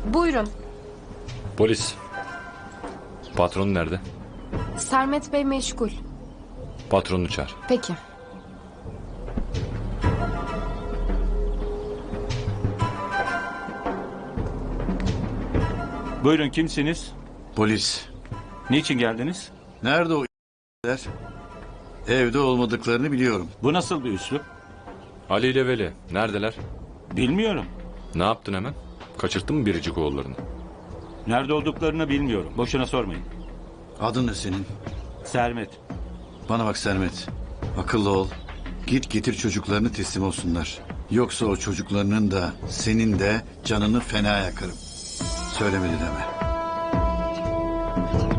Buyurun. Polis. Patron nerede? Sermet Bey meşgul. Patronunu çağır. Peki. Buyurun, kimsiniz? Polis. Niçin geldiniz? Nerede o ***ler? Evde olmadıklarını biliyorum. Bu nasıl bir üslup? Ali ile Veli neredeler? Bilmiyorum. Ne yaptın hemen? Kaçırttın mı biricik oğullarını? Nerede olduklarını bilmiyorum. Boşuna sormayın. Adın ne senin? Sermet. Bana bak Sermet. Akıllı ol. Git getir çocuklarını teslim olsunlar. Yoksa o çocuklarının da senin de canını fena yakarım. Söylemedi deme.